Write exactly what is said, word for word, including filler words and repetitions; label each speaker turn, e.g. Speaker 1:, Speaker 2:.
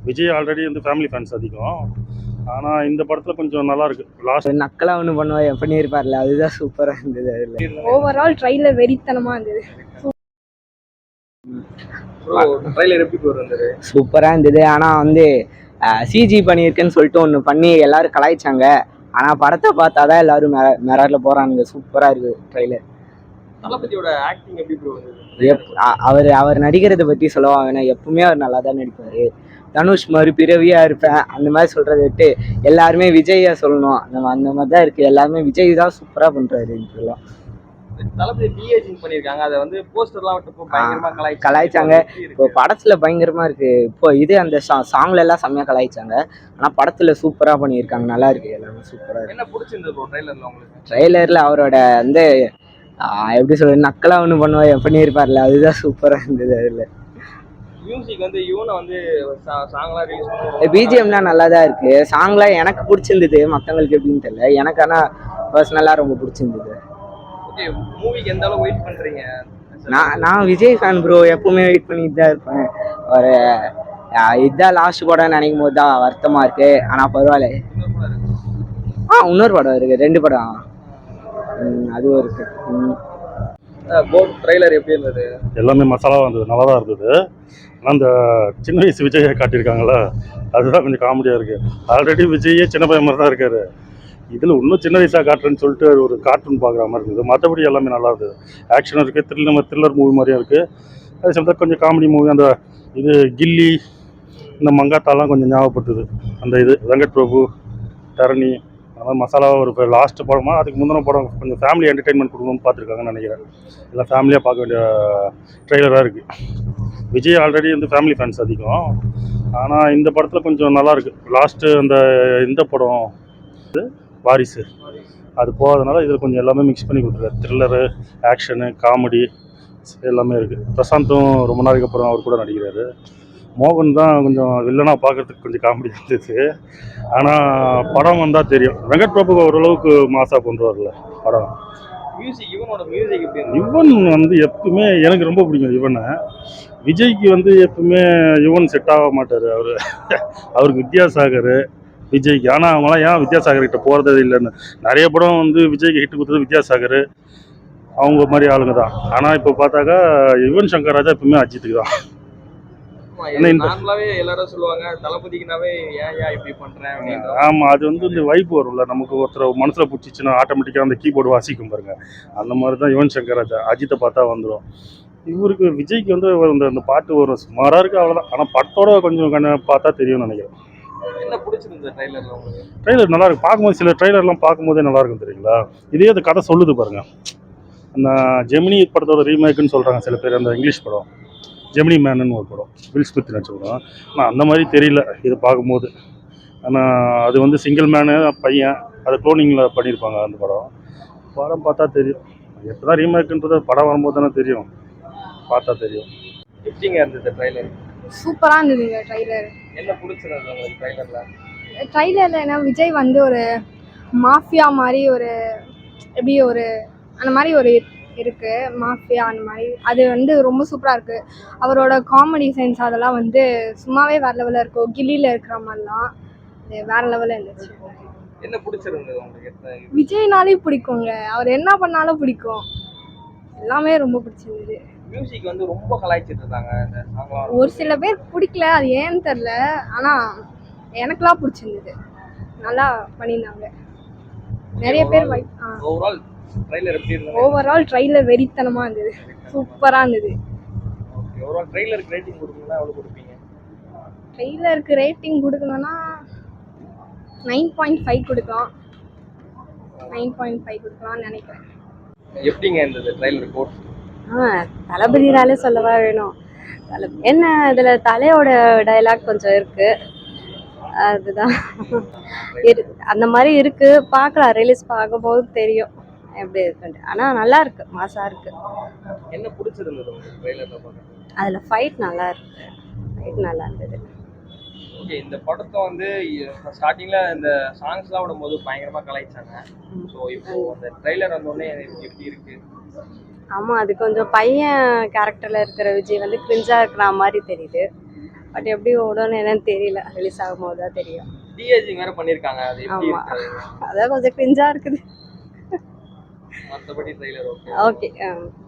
Speaker 1: Vijay already வந்து family fans அதிகம். ஆனால் இந்த படத்தில் கொஞ்சம் நல்லா இருக்கு. லாஸ்ட்
Speaker 2: நக்கலா ஒன்று பண்ணுவா பண்ணியிருப்பார்ல, அதுதான் சூப்பராக இருந்தது. அதில்
Speaker 3: ஓவரால் ட்ரைலர் வெறித்தனமாக இருந்தது.
Speaker 2: சூப்பராக இருந்தது. ஆனால் வந்து சிஜி பண்ணியிருக்குன்னு சொல்லிட்டு ஒன்று பண்ணி எல்லாரும் கலாய்ச்சாங்க. ஆனால் படத்தை பார்த்தா தான் எல்லாரும் மெ மெராரில் போகிறானுங்க. சூப்பராக இருக்குது ட்ரைலர்.
Speaker 4: தளபதியோட ஆக்டிங் எப்படி ப்ரோ வந்தது?
Speaker 2: எப் அவர் அவர் நடிக்கிறதை பற்றி சொல்லுவாங்கன்னா எப்பவுமே அவர் நல்லா தான் நடிப்பார். தனுஷ் மாதிரி பிறவியாக இருப்பேன் அந்த மாதிரி சொல்கிறத விட்டு எல்லாருமே விஜயை சொல்லணும். அந்த அந்த மாதிரி தான் இருக்குது. எல்லாருமே விஜய் தான் சூப்பராக பண்ணுறாரு. இப்பெல்லாம்
Speaker 4: தளபதி டிஏஜிங் பண்ணியிருக்காங்க. அதை வந்து போஸ்டர்லாம் விட்டு பயங்கரமாக கலாய்
Speaker 2: கலாய்ச்சாங்க. இப்போ படத்தில் பயங்கரமாக இருக்குது. இப்போ இது அந்த சா சாங்ல எல்லாம் செம்மையாக கலாய்ச்சாங்க. ஆனால் படத்தில் சூப்பராக பண்ணியிருக்காங்க. நல்லா இருக்குது. எல்லாமே சூப்பராக இருக்குது.
Speaker 4: என்ன பிடிச்சிருந்தது ப்ரோ ட்ரைலரில் உங்களுக்கு?
Speaker 2: ட்ரைலரில் அவரோட வந்து எப்படி சொல்றது, நக்கலா ஒன்று பண்ணுவா பண்ணியிருப்பார்ல, அதுதான் சூப்பராக இருந்தது. அதில்
Speaker 4: மியூசிக் வந்து இவனை வந்து சாங்லாம் ரிலீஸ் பண்ணுவாங்க.
Speaker 2: பிஜிஎம்லாம் நல்லா தான் இருக்குது. சாங்லாம் எனக்கு பிடிச்சிருந்தது. மற்றவங்களுக்கு எப்படின்னு தெரியல. எனக்கு ஆனால் பர்சனலாக ரொம்ப பிடிச்சிருந்தது.
Speaker 4: ஓகே, மூவிக்கு எந்த அளவுக்கு வெயிட் பண்ணுறீங்க?
Speaker 2: நான் நான் விஜய் ஃபேன் ப்ரோ. எப்பவுமே வெயிட் பண்ணிட்டு தான் இருப்பேன். ஒரு இதுதான் லாஸ்ட் படம் நினைக்கும் போது தான் வருத்தமாக இருக்குது. ஆனால் பரவாயில்ல. ஆ இன்னொரு படம் இருக்குது. ரெண்டு படம் அதுவும் இருக்கு.
Speaker 4: போட் ட்ரைலர் எப்படி இருந்தது?
Speaker 1: எல்லாமே மசாலாவாக இருந்தது. நல்லா தான் இருந்தது. ஆனால் அந்த சின்ன வயசு விஜயை காட்டியிருக்காங்களா, அதுதான் கொஞ்சம் காமெடியாக இருக்குது. ஆல்ரெடி விஜயே சின்ன பையன் மாதிரி தான் இருக்காரு. இதில் இன்னும் சின்ன வயசாக காட்டுறேன்னு சொல்லிட்டு ஒரு கார்ட்டூன் பார்க்குற மாதிரி இருந்தது. மற்றபடி எல்லாமே நல்லா இருந்தது. ஆக்ஷனும் இருக்குது, த்ரில்லர் த்ரில்லர் மூவி மாதிரியும் இருக்குது. அதே சமயத்தில் கொஞ்சம் காமெடி மூவி. அந்த இது கில்லி, இந்த மங்காத்தாலாம் கொஞ்சம் ஞாபகப்படுத்துது. அந்த இது வெங்கட் பிரபு, தரணி, அதனால் மசாலாவாக ஒரு லாஸ்ட் படமாக அதுக்கு முந்தின படம் கொஞ்சம் ஃபேமிலி என்டர்டெயின்மெண்ட் கொடுக்கணும்னு பார்த்துருக்காங்கன்னு நினைக்கிறேன். எல்லாம் ஃபேமிலியாக பார்க்க வேண்டிய ட்ரெய்லராக இருக்குது. விஜய் ஆல்ரெடி வந்து ஃபேமிலி ஃபேன்ஸ் அதிகம். ஆனால் இந்த படத்தில் கொஞ்சம் நல்லா இருக்குது. லாஸ்ட்டு அந்த இந்த படம் வாரிசு அது போகாதனால இதில் கொஞ்சம் எல்லாமே மிக்ஸ் பண்ணி கொடுத்துருக்காரு. த்ரில்லரு, ஆக்ஷனு, காமெடி எல்லாமே இருக்குது. பிரசாந்தும் ரொம்ப நாளைக்கு அப்புறம் அவர் கூட நடிக்கிறாரு. மோகன் தான் கொஞ்சம் வில்லனாக பார்க்குறதுக்கு கொஞ்சம் காமெடி இருந்துச்சு. ஆனால் படம் வந்தால் தெரியும். வெங்கட் பிரபு ஓரளவுக்கு மாசாக பண்ணுறாருல படம்.
Speaker 4: மியூசிக் இவனோட மியூசிக் எப்படி?
Speaker 1: யுவன் வந்து எப்பவுமே எனக்கு ரொம்ப பிடிக்கும் யுவனை. விஜய்க்கு வந்து எப்பவுமே யுவன் செட் ஆக மாட்டார். அவர் அவருக்கு வித்யாசாகர் விஜய்க்கு. ஆனால் அவங்களாம் ஏன் வித்யாசாகர் கிட்ட போகிறதே இல்லைன்னு. நிறைய படம் வந்து விஜய்க்கு ஹிட் கொடுத்தது வித்யாசாகர் அவங்க மாதிரி ஆளுங்க தான். ஆனால் இப்போ பார்த்தாக்கா யுவன் சங்கர் ராஜா எப்பவுமே அஜித்துக்கு தான்.
Speaker 4: நார்மலாவே எல்லாரும் சொல்லுவாங்க தளபதிக்குனாவே ஏன் ஏன் இப்படி பண்றேன் அப்படின்னு.
Speaker 1: ஆமா, அது வந்து இந்த வைப் வரும்ல, நமக்கு ஒருத்தர் மனசுல பிடிச்சிச்சுன்னா ஆட்டோமேட்டிக்கா அந்த கீபோர்டு வாசிக்கும் பாருங்க. அந்த மாதிரி தான் யுவன் சங்கர் ராஜா. அஜித்தை பார்த்தா வந்துடும். இவருக்கு விஜய்க்கு வந்து அந்த அந்த பாட்டு வரும், சுமாரா இருக்கு, அவ்வளவுதான். ஆனா படத்தோட கொஞ்சம் கண்ண பார்த்தா தெரியும்னு நினைக்கிறேன்.
Speaker 4: என்ன பிடிச்சிருந்தது ட்ரைலர்ல உங்களுக்கு?
Speaker 1: ட்ரைலர் நல்லா இருக்கு. பார்க்கும்போது சில ட்ரைலர்லாம் பார்க்கும்போதே நல்லா இருக்கும் தெரியுங்களா. இதே அந்த கதை சொல்லுது பாருங்க. அந்த ஜெமினி படத்தோட ரீமேக்குன்னு சொல்றாங்க சில பேர். அந்த இங்கிலீஷ் படம் ஜெமினி மேனுன்னு ஒரு படம், வில் ஸ்மித் நடிச்ச படம். ஆனால் அந்த மாதிரி தெரியல இது பார்க்கும்போது. ஆனால் அது வந்து சிங்கிள் மேனு பையன், அதை க்ளோனிங்கில் பண்ணியிருப்பாங்க அந்த படம். படம் பார்த்தா தெரியும். எப்போ தான் ரீமேக்குன்றது படம் வரும்போது தானே தெரியும், பார்த்தா தெரியும்.
Speaker 4: எப்படிங்க இருந்தது ட்ரைலர்?
Speaker 3: சூப்பராக இருந்ததுங்க ட்ரைலர்.
Speaker 4: என்ன பிடிச்சிருந்தது உங்களுக்கு ட்ரைலரில்?
Speaker 3: ட்ரைலரில் ஏன்னா விஜய் வந்து ஒரு மாஃபியா மாதிரி ஒரு எப்படி ஒரு அந்த மாதிரி ஒரு இருக்குது மாஃபியா அந்த மாதிரி. அது வந்து ரொம்ப சூப்பராக இருக்குது. அவரோட காமெடி சென்ஸ் அதெல்லாம் வந்து சும்மாவே வேறு லெவலில் இருக்கும். கில்லியில் இருக்கிற மாதிரிலாம் அது வேறு லெவலில் இருந்துச்சு.
Speaker 4: என்ன பிடிச்சிருந்தது உங்களுக்கு?
Speaker 3: விஜய்னாலே பிடிக்குங்க. அவர் என்ன பண்ணாலும் பிடிக்கும். எல்லாமே ரொம்ப பிடிச்சிருந்தது.
Speaker 4: மியூசிக் வந்து ரொம்ப கலாய்ச்சிட்டு இருந்தாங்க இந்த சாங்லாம்.
Speaker 3: ஒரு சில பேர் பிடிக்கல, அது ஏன்னு தெரில. ஆனால் எனக்குலாம் பிடிச்சிருந்தது. நல்லா பண்ணியிருந்தாங்க நிறைய பேர்.
Speaker 4: ஓவரால் ட்ரைலர் எப்படி இருந்தது?
Speaker 3: ஓவரால் ட்ரைலர் வெறித்தனமாக இருந்தது. சூப்பராக இருந்தது.
Speaker 4: ஓகே, ஓவரால் ட்ரைலருக்கு ரேட்டிங் கொடுக்கணும்னா எவ்வளோ கொடுப்பீங்க?
Speaker 3: ட்ரைலருக்கு ரேட்டிங் கொடுக்கணும்னா நைன் பாயிண்ட் ஃபைவ் கொடுக்கலாம். நைன் பாயிண்ட் ஃபைவ் கொடுக்கலாம்னு நினைக்கிறேன்.
Speaker 4: எப்படிங்க இருந்தது ட்ரைலர் கோட்?
Speaker 5: ஆ தளபதினாலே சொல்லவா வேணும். தலை என்ன இதில் தலையோட டைலாக் கொஞ்சம் இருக்குது, அதுதான் இரு அந்த மாதிரி இருக்குது. பார்க்கலாம், ரிலீஸ் பார்க்கும்போது தெரியும் எப்படி இருக்குன்ட்டு. ஆனால் நல்லா இருக்கு, மாசாக இருக்குது.
Speaker 4: என்ன பிடிச்சிருந்தது உங்களுக்கு ட்ரைலரில் பார்க்க?
Speaker 5: அதில் ஃபைட் நல்லா இருக்கு. ஃபைட் நல்லா இருந்தது.
Speaker 4: ஓகே, இந்த படத்தை வந்து ஸ்டார்டிங்கில் இந்த சாங்ஸ்லாம் விடும்போது பயங்கரமாக கலாய்ச்சாங்க. ஸோ இப்போ அந்த ட்ரைலர் வந்தோடனே எப்படி இருக்குது?
Speaker 5: ஆமாம், அது கொஞ்சம் பையன் கேரக்டரில் இருக்கிற விஜய் வந்து கிரிஞ்சாக இருக்கிற மாதிரி தெரியுது. பட் எப்படி ஓடும்னு என்னன்னு தெரியல, ரிலீஸ் ஆகும்போது தான் தெரியும்.
Speaker 4: டிஏஜிங் வேற பண்ணிருக்காங்க, அது எப்படி
Speaker 5: ஆமா,
Speaker 4: இருக்கு?
Speaker 5: அதான் கொஞ்சம் கிரிஞ்சா இருக்குது.
Speaker 4: மற்றபடி ட்ரெய்லர் ஓகே.
Speaker 5: ஓகே.